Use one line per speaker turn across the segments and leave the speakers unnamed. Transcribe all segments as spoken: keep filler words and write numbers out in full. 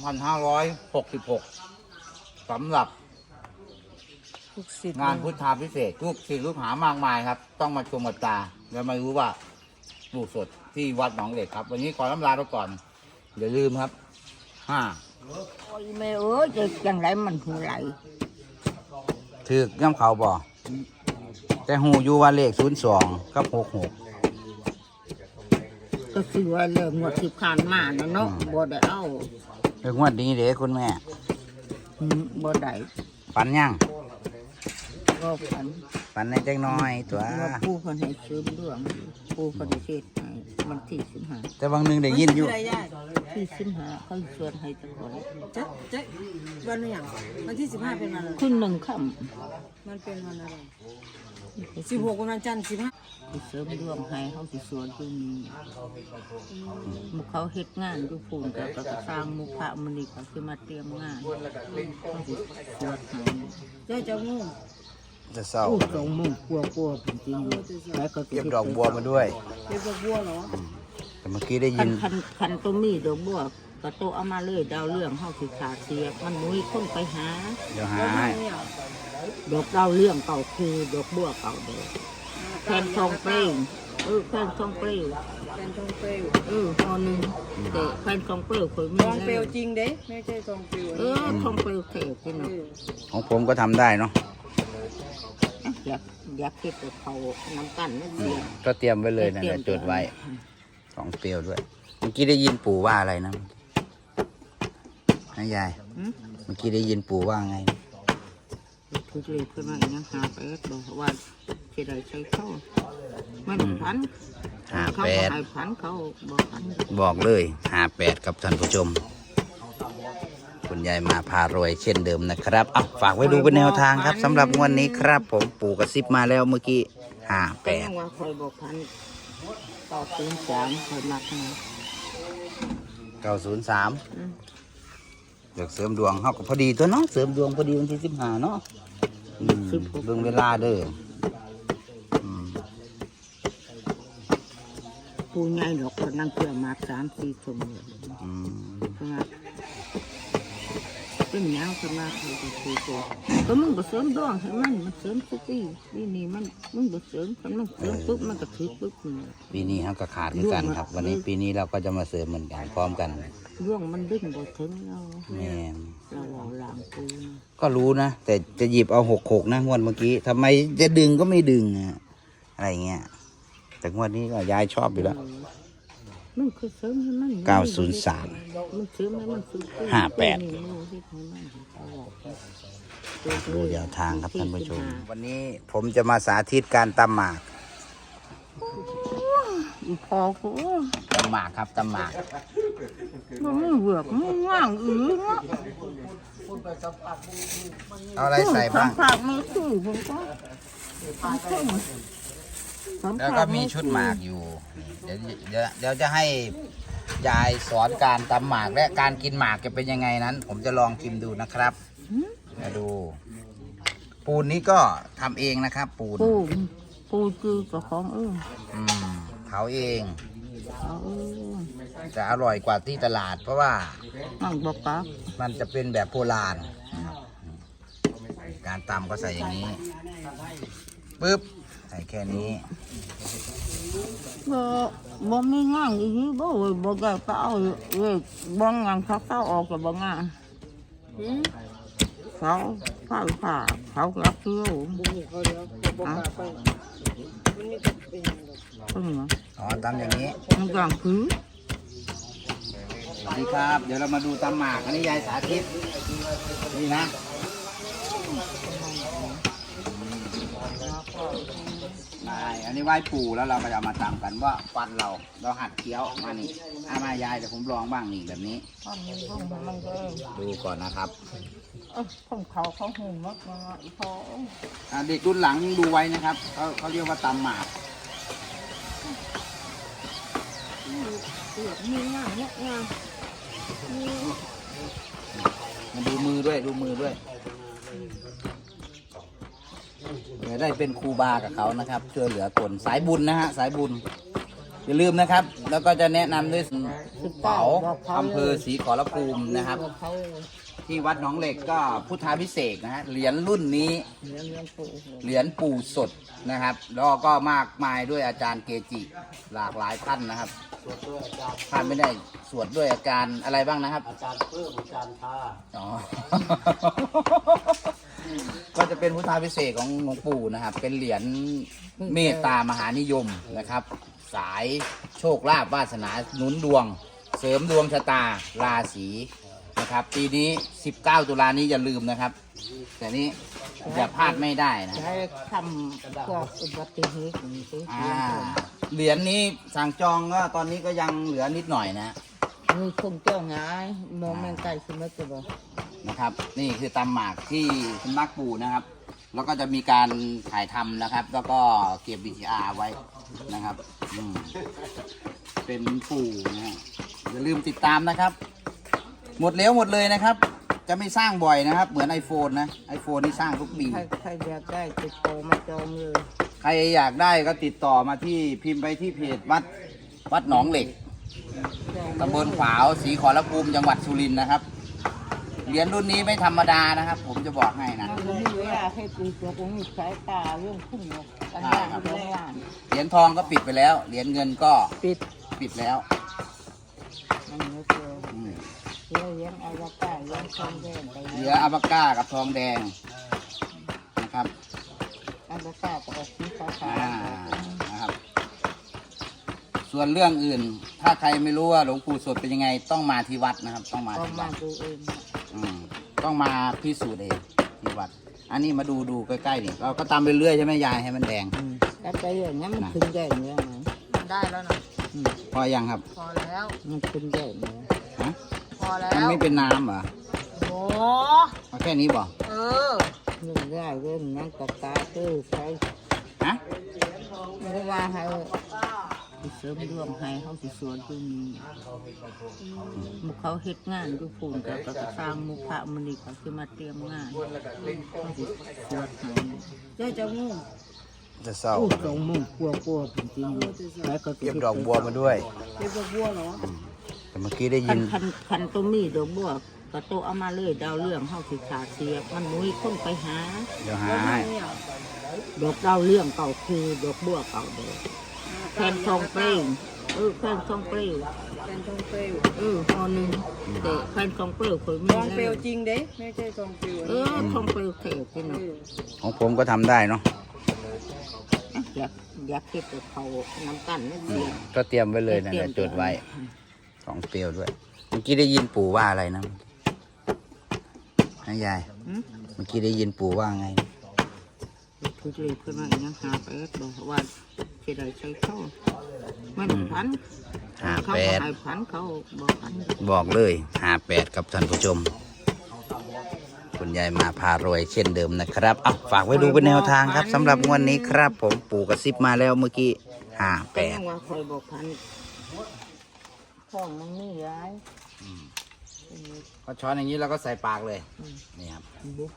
พันห้าร้อยหกสิบหกสำหรับงานพุทธาพิเศษลูกศิษย์ลูกหามากมายครับต้องมาชมกับตาแล้วมารู้ว่าปลูกสดที่วัดหนองเหล็กครับวันนี้ขอน้ำลาไปก่อนอย่าลืมครับห้า
โอ้ยแม่เอ้ยจะยังไรมันหูไหล
ถือกย่ำเขาบ่แต่หูอยู่ว่าเลขศูนย์สองกับหกหก
ก็คือว่าเรื่องหมดสิบขานมาเนาะเนาะบ่ได้เอา
เรื่องวันนี้เด้คุณแม่
บ่ได้
ฝันยัง
ก็ฝัน
ฝันในจังน้อยตัว
ผู้คนให้ซื้อเรื่องผู้คนให้เทศให้มันที่สิบห้า
แต่บางนึงได้ยินอยู่
ที่สิบห้าเขาชวนให้ตะโกน
จ๊ะจ๊ะวันนี้อย่างวันที่สิบห้าเป็นวันอะไร
ขึ้นหนึ่งค่
ำมันเป็นวันอะไรสิบหกวันจันทร์สิบห้า
เสริมดวงให้เขาสิสวนตรงนี้มุกเขาเฮ็ดงานอยู่ฝุ่นแต่ก็สร้างมุขพระมณีเขาคือมาเตรียมงานเขาสิสวดให้
เจ้าเจ้างู
จะเศร้า
สองมุ่งกลัวกลัวจริงๆแล้วก็
เก็บดอกบัวมาด้วย
เก็บดอกบัวเหรอ
แต่เมื่อกี้ได้ยิน
คันคันตัวมีดอกบัวกระโตเอามาเลยดาวเรื่องเขาสิขาเสียมันมุ้ยคนไปหา
เดี๋ยวหาให้
ดอกดาวเรื่องเก่าคือดอกบัวเก่าเดิมแผ่นทองเปลวเออแผ่นทองเปลว
แผ่นทองเปลว
เออพอหนึ่งแต่แผ่นทองเปลวเคยมี
ทองเปลวจริงเด้ไม่ใช่ทองเปลว
เออทองเปลวเทจริง
ของผมก็ทำได้เนาะ
อยากอยากคิดแต่เขาน้ำกันนั่นเอง
ก็เตรียมไว้เลยนะจดไว้ทองเปลวด้วยเมื่อกี้ได้ยินปู่ว่าอะไรนะนายยายเมื่อกี้ได้ยินปู่ว่าไง
คือเลยเพื่อนว่าอย่างหาแปดบอกว่าจะได้ใช้เข้าไม่พัน
หาแปด
พันเขาบอกพัน
บอกเลยหาแปดกับท่านผู้ชมคุณยายมาพารวยเช่นเดิมนะครับอ่ะฝากไว้ดูเป็นแนวทางครับสำหรับวันนี้ครับผมปู่กระซิบมาแล้วเมื่อกี้ห้าแปด
ว่าคอยบอกพันต่อศูนย์สามคอยมักนะ
เก้าศูนย์สามเดี๋ยวเสริมดวงเขาก็พอดีตัวเนาะเสริมดวงพอดีวันที่สิบห้าเนาะเรื่องเวลาเด้อ
ปูใหญ่ดอกคนนั่งเกี่ยวมาสามสี่ชั่วโมงเป็นยังขนาดเขาจะคุยกันก็มึงก็เสริมดวงให้มันมันเสริมทุกปีปีนี้มันมึงก็เสริมคันมันเสริมปุ๊บมันก็ถือปุ๊บ
ปีนี้เขาก็ขาดเหมือนกันครับวันนี้ปีนี้เราก็จะมาเสริมเหมือนกันพร้อมกัน
ร่วงมันดึงบ่ถึงเรา
แม่
เราหลังปู
ก็รู้นะแต่จะหยิบเอาหกหกนะงวดเมื่อกี้ทำไมจะดึงก็ไม่ดึงอะอะไรเงี้ยแต่งวดนี้ก็ยายชอบอยู่แล้ว
มันคือเสริมให้มัน
เก้าศูนย์สามห้าแปดดูเดี๋ยวทางครับท่านผู้ชมวันนี้ผมจะมาสาธิตการตำหมาก
พอกู
ตำหมากครับตำหมาก
มันเบือกมันว่างอือ
เอาอะไรใส่บ้าง
ผักไม่ซื้อผมก็
แล้วก็มีชุดหมากอยู่เดี๋ยวเดี๋ยวเดี๋ยวจะให้ยายสอนการตำหมากและการกินหมากจะเป็นยังไงนั้นผมจะลองชิมดูนะครับมาดูปูนนี้ก็ทำเองนะครับปูน
ปูนปูนคือกับของเออ
อืมเผาเองจะอร่อยกว่าที่ตลาดเพราะว่า
มันบอกปั๊บ
มันจะเป็นแบบโบราณการตำก็ใส่อย่างนี้ปึ๊บใส่แค่นี้
บ่บ่มีงานอีกบ่บ่ได้ไปเอาเว้ยบ่งานเขาเข้าออกกับบ่งานเขาเขาผ่าเขารักเที่ยว
เขาเดี๋ยวบอกไปมันนี่เป็นยังไง
อ๋อตำอย่างนี้
มันกลางคือ
สวัสดีครับเดี๋ยวเรามาดูตำหมากอันนี้ยายสาธิตนี่นะอันนี้ไหว้ปู่แล้วเราก็จะมาตำกันว่าฟันเราเราหัดเคี้ยวมานี่อามายายแต่ผมลองบ้างนี่แบบนี้ดูก่อนนะครับ
ของเขาเขาหุ่นมากมาอีพ
อเด็กรุ่นหลังดูไว้นะครับเขาเขาเรียกว่าตำหมาก
มีงานเนี่ยงาน
มาดูมือด้วยดูมือด้วยจะได้เป็นครูบากับเขานะครับช่วยเหลือคนสายบุญนะฮะสายบุญอย่าลืมนะครับแล้วก็จะแนะนำด้วย
สิบ
เป๋า
บอกเขา
อำเภอศรีขอรภูมินะครับ
บอกเขา
ที่วัดหนองเหล็กก็พุทธาพิเศษกนะฮะเหรียญรุ่นนี้
เลี้ยงเลี้ยงปู่
เหรียญปู่สดนะครับ แล้วก็มากมายด้วยอาจารย์เกจิหลากหลายท่านนะครับท่านไม่ได้สวดด้วยอาจารย์อะไรบ้างนะครับ
อาจารย์เพิ่มอาจารย์ทา
อ๋อ ก็จะเป็นพุทธาพิเศษกของหลวงปู่นะครับ เป็นเหรียญเมตตามหานิยมนะครับ สายโชคลาภวาสนาหนุนดวง เสริมดวงชะตาราศีนะครับ ปีนี้สิบเก้าตุลานี้อย่าลืมนะครับ แต่นี้อย่าพลาดไม่ได้นะ
ใช้ทำพวกอุบัติเหตุอย่างนี้สิ
อ่าเหรียญนี้สั่งจองก็ตอนนี้ก็ยังเหลือนิดหน่อยนะ
มีคงเจ้าง่ายมองแมงไก่สมัยจะบอก
นะครับ นี่คือตำหมากที่สำนักปู่นะครับ แล้วก็จะมีการถ่ายทำนะครับ แล้วก็เก็บ วี ซี อาร์ ไว้นะครับอืมเป็นปู่นะฮะอย่าลืมติดตามนะครับ หมดแล้วหมดเลยนะครับ จะไม่สร้างบ่อยนะครับ เหมือน iPhone นะ iPhone นี่สร้างทุกปี
ใครใครอยากได้ติดต่อมาจองเลย
ใครอยากได้ก็ติดต่อมาที่พิมพ์ไปที่เพจวัดวัดหนองเหล็กตำบลขวาวศรีขอรภูมิจังหวัดสุรินทร์นะครับเหรียญรุ่นนี้ไม่ธรรมดานะครับ ผมจะบอกให้นะ
มันไม่มีเวลาให้ตีตัวผมมีสายตาเรื่องขึ้นหรอกกันย่างเรื่องว่าน
เหรียญทองก็ปิดไปแล้ว เหรียญเงินก็
ปิด
ปิดแล้ว
มันเหลือเกิน
อืม
เลี้ยงเลี้ยงอาวกาเลี้ยงทองแดงไป
เหลืออัปก้ากับทองแดงนะครับ
อาวกาก็ออกสีฟ้า
อ่านะครับ ส่วนเรื่องอื่น ถ้าใครไม่รู้ว่าหลวงปู่สดเป็นยังไง ต้องมาที่วัดนะครับ ต้องมา
ก็
ที่
มา
วัด
ดูเอง
อืมต้องมาพิสูจน์เองที่วัด อันนี้มาดูดูใกล้ๆนี่เราก็ตามไปเรื่อยใช่ไหมยายให้มันแดง
แล้วไปอย่างนี้มันขึ้นแดงเนี่ยนะ
ได้แล้วนะ
พอยังครับ
พอแล้ว
มันขึ้นแดงเนี่ย
ฮะ
พอแล้
มัน
ว
ไม่เป็นน้ำเหรอ
โอ้
เอาแค่นี้บ่
เออ
เรื่องได้เรื่องนั้นตะกาตื้อใช้
ฮะ
ไม่ว่าให้เสริมดวงให้เขาสิสวนตรงนี้มุกเขาเฮ็ดงานอยู่พูนกับก็สร้างมุขะมันนี่เขาคือมาเตรียมงานเขาสิสวดให้
เจ้าจะงู
จะเศร้า
โอ้สองโมุ่งกลัวกลัวจริงๆแล้วก็
เก็บดอกบัวมาด้วย
เจ้าบัวเหรอ
แต่เมื่อกี้ได้
คั
ยิ
น
น
คันคันตัวมีดอกบัวก็โตเอามาเลยดาวเรื่องเขาสิขาเสียบมันมุ้ยคนไปหา
เดี๋ยวหาให้
เนี่ย
ดอกดาวเรื่องเก่าคือดอกบัวเก่าเดิมแผ่นทองเปรี้ยวเออแผ่นทองเปรี้ยว
เป็นทองเปลว
เออพอหนึ่งแต่แผ่นทองเปรี้ยวเคยมี
ทองเปลว
แล้ว
จริงเด้ไม่ใช่ทองเปลว
เออทองเปรี้ยวเทจริง
เออ
ของผมก็ทำได้เนาะ
อยากอยากเก็บกับเขาน้ำกันนั่นเอง
ก็เตรียมไว้เลยนะเดี๋ยวจดไว้ของเปรี้ยวด้วย เมื่อกี้ได้ยินปู่ว่าอะไรนะนะยาย เมื่อกี้ได้ยินปู่ว่าไง
คือเลยเพื่อนว่ายังหาไปบอกว่าจะได้ใช้เข้ามันพัน
ห้า
เขา
แปด
ให้พันเขาบอกพัน
บอกเลยห้าแปดกับท่านผู้ชม คุณยายมาพารวยเช่นเดิมนะครับเอาฝากไว้ดูเป็นแนวทางครับสำหรับงวดนี้ครับ ผมปู่กระซิบมาแล้วเมื่อกี้ห้าแป
แต่
ด
ยังว่าคอยบอกพันท้องมันนี่ย้าย
พอช้อนอย่างนี้เราก็ใส่ปากเลย นี่ครับ
บุ๊ก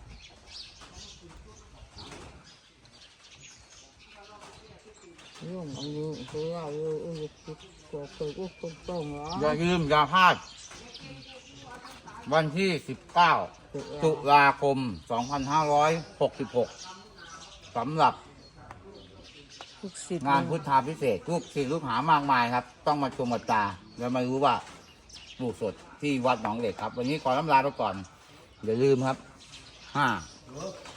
ยุ่งอันนี้คือว่าเออเออก็เคยก็คงต้องเหรอ
อย่าลืมอย่าพลาด วันที่สิบเก้าตุลาคมสองพันห้าร้อยหกสิบหกสำหรับ
ทุกสิทธิ์
งานพุทธาพิเศษกลูกศิษย์ลูกหามากมายครับ ต้องมาชมกับตาแล้วมารู้ว่าปลูกสดที่วัดหนองเหล็กครับ วันนี้ขอลำลาไปก่อน อย่าลืมครับห้า